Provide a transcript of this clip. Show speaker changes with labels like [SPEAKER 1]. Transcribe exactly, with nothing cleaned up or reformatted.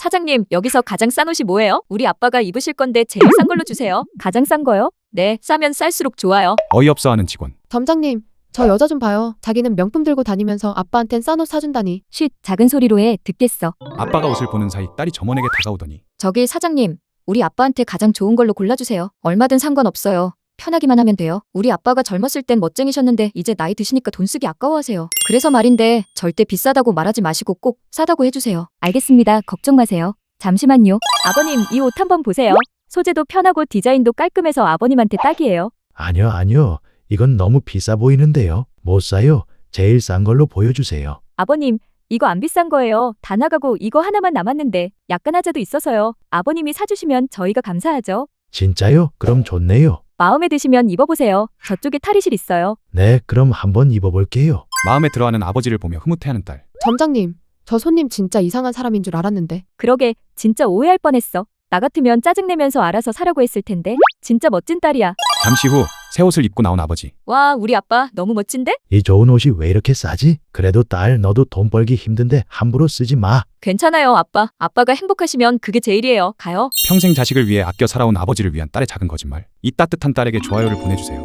[SPEAKER 1] 사장님, 여기서 가장 싼 옷이 뭐예요? 우리 아빠가 입으실 건데 제일 싼 걸로 주세요. 가장 싼 거요? 네, 싸면 쌀수록 좋아요.
[SPEAKER 2] 어이없어하는 직원.
[SPEAKER 3] 점장님, 저 여자 좀 봐요. 자기는 명품 들고 다니면서 아빠한텐 싼 옷 사준다니.
[SPEAKER 1] 쉿, 작은 소리로 해. 듣겠어.
[SPEAKER 2] 아빠가 옷을 보는 사이 딸이 점원에게 다가오더니
[SPEAKER 1] 저기 사장님, 우리 아빠한테 가장 좋은 걸로 골라주세요. 얼마든 상관없어요. 편하기만 하면 돼요. 우리 아빠가 젊었을 땐 멋쟁이셨는데 이제 나이 드시니까 돈 쓰기 아까워하세요. 그래서 말인데 절대 비싸다고 말하지 마시고 꼭 싸다고 해주세요. 알겠습니다. 걱정 마세요. 잠시만요. 아버님, 이 옷 한번 보세요. 소재도 편하고 디자인도 깔끔해서 아버님한테 딱이에요.
[SPEAKER 4] 아니요, 아니요. 이건 너무 비싸 보이는데요. 못 사요. 제일 싼 걸로 보여주세요.
[SPEAKER 1] 아버님, 이거 안 비싼 거예요. 다 나가고 이거 하나만 남았는데 약간 하자도 있어서요. 아버님이 사주시면 저희가 감사하죠.
[SPEAKER 4] 진짜요? 그럼 좋네요.
[SPEAKER 1] 마음에 드시면 입어보세요. 저쪽에 탈의실 있어요.
[SPEAKER 4] 네, 그럼 한번 입어볼게요.
[SPEAKER 2] 마음에 들어하는 아버지를 보며 흐뭇해하는 딸.
[SPEAKER 3] 점장님, 저 손님 진짜 이상한 사람인 줄 알았는데.
[SPEAKER 1] 그러게, 진짜 오해할 뻔했어. 나 같으면 짜증내면서 알아서 사라고 했을 텐데. 진짜 멋진 딸이야.
[SPEAKER 2] 잠시 후 새 옷을 입고 나온 아버지.
[SPEAKER 1] 와, 우리 아빠 너무 멋진데?
[SPEAKER 4] 이 좋은 옷이 왜 이렇게 싸지? 그래도 딸, 너도 돈 벌기 힘든데 함부로 쓰지 마.
[SPEAKER 1] 괜찮아요, 아빠. 아빠가 행복하시면 그게 제일이에요. 가요.
[SPEAKER 2] 평생 자식을 위해 아껴 살아온 아버지를 위한 딸의 작은 거짓말. 이 따뜻한 딸에게 좋아요를 보내주세요.